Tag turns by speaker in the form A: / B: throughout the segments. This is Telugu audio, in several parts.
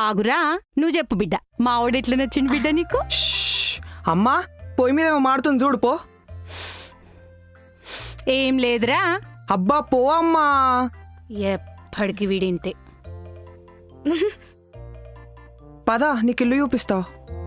A: ఆగురా, నువ్వు చెప్పు బిడ్డ, మావాడెట్లా నచ్చింది బిడ్డ నీకు?
B: అమ్మా పొయ్యి మీద ఏమో మాడుతుంది చూడు పో.
A: ఏం లేదురా.
B: అబ్బా పో అమ్మా.
A: ఎప్పటికి వీడింతే.
B: పదా నీకు ఇల్లు చూపిస్తా.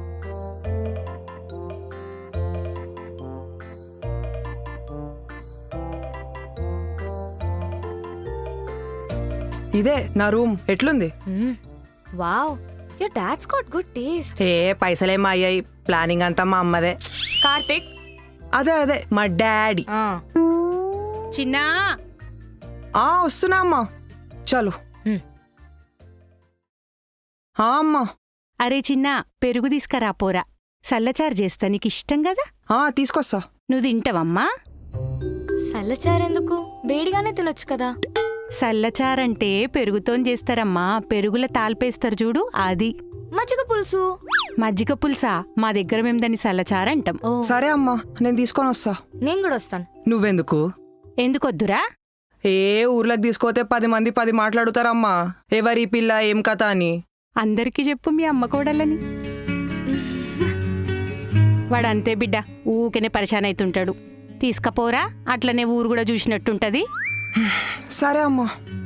B: ఇదే నా రూమ్. ఎట్లుంది?
C: Wow, your dad's got good taste.
B: ఏ పైసలేమో అయ్యాయి, ప్లానింగ్ అంతా మా అమ్మదే.
C: కార్తిక్,
B: అదే అదే మా డాడీ.
A: చిన్నా
B: వస్తున్నా అమ్మా. చలో. అమ్మా.
A: అరే చిన్నా, పెరుగు తీసుకురా పోరా, సల్లచారు చేస్తా, నీకు ఇష్టం కదా.
B: తీసుకొస్తా.
A: నువ్వు తింటావమ్మా?
C: సల్లచారెందుకు, వేడిగానే తినొచ్చు కదా.
A: సల్లచారంటే పెరుగుతోని చేస్తారమ్మా, పెరుగుల తాల్పేస్తారు చూడు అది.
C: మజ్జిగ పులుసు.
A: మజ్జిగ పులుసా? మా దగ్గర మేము దాన్ని సల్లచారంటాం.
B: సరే అమ్మా, నేను తీసుకొని వస్తా.
C: నేను కూడా వస్తాను.
B: నువ్వెందుకు?
A: ఎందుకొద్దురా?
B: ఊర్లోకి తీసుకోతే 10 మంది 10 మాట్లాడుతారమ్మా, ఎవరి పిల్ల ఏం కథ అని.
A: అందరికీ చెప్పు మీ అమ్మ కోడలని. వాడంతే బిడ్డ, ఊకెనే పరిశాన్ అవుతుంటాడు. తీసుకపోరా, అట్లనే ఊరు కూడా చూసినట్టుంటది.
B: సరే అమ్మా.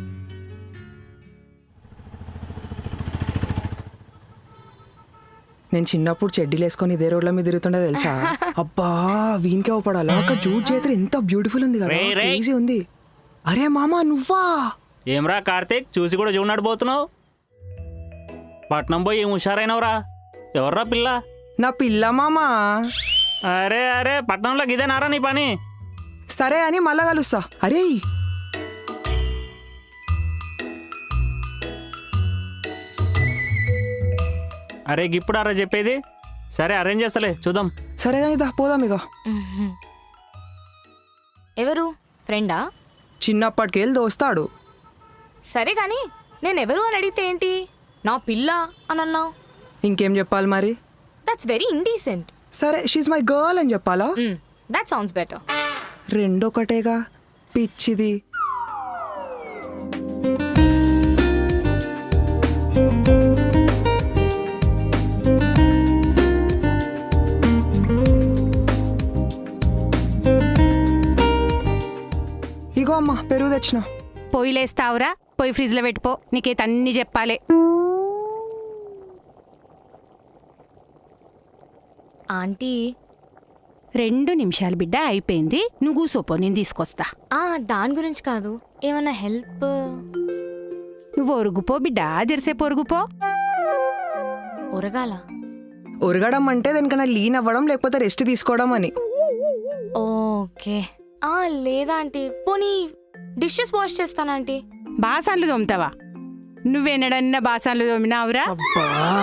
B: నేను చిన్నప్పుడు చెడ్డీలు వేసుకొని ఇదే రోడ్ల మీద తిరుగుతుండే తెలుసా. అబ్బా వీనికే పడాలా. ఒక జూట్ చేతులు ఎంత బ్యూటిఫుల్ ఉంది కదా, ఈజీ ఉంది. అరే మామా నువ్వా?
D: ఏమ్రా కార్తీక్, చూసి కూడా చూడనాడు పోతున్నావు. పట్నం పోయి ఏం హుషారైనవరా? ఎవర్రా పిల్ల?
B: నా పిల్ల మామా.
D: అరే అరే, పట్నంలో గిదేనారా నీ పని?
B: సరే అని మళ్ళా కలుస్తా. అరే
D: అరే గిప్పుడు అరా చెప్పేది. సరే అరేంజ్ చేస్తలే, చూద్దాం.
B: సరే కానీ దా పోదాం ఇక.
C: ఎవరు? ఫ్రెండా?
B: చిన్నప్పటికెళ్ళి దోస్తాడు.
C: సరే కానీ నేనెవరు అని అడిగితే ఏంటి, నా పిల్ల అని అన్నావు.
B: ఇంకేం చెప్పాలి మరి?
C: That's very indecent.
B: సరే షీజ్ మై గర్ల్ అని చెప్పాలా?
C: That sounds better.
B: రెండొకటేగా పిచ్చిది. ఇగో అమ్మా పెరుగు తెచ్చిన.
A: పొయ్యిలేస్తావురా, పొయ్యి ఫ్రిడ్జ్లో పెట్టుకో, నీకైతే అన్ని చెప్పాలి.
C: ఆంటీ
A: 2 నిమిషాలు బిడ్డ, అయిపోయింది. నువ్వు కూసోపో, నేను తీసుకొస్తా.
C: దాని గురించి కాదు, ఏమన్నా హెల్ప్?
A: నువ్వు ఒరుగుపో బిడ్డ, జెర్సేపు ఒరుగుపో.
C: ఒరగాల?
B: ఒరగడం అంటే దానికన్నా లీన్ అవ్వడం, లేకపోతే రెస్ట్ తీసుకోవడం అని.
C: ఓకే. లేదా ఆంటీ, పోనీ డిషెస్ వాష్ చేస్తానా ఆంటీ?
A: బాసాన్లు తోముతావా? నువ్వెన్నడన్నా బాసాన్లు తోమినావురా?
B: అబ్బా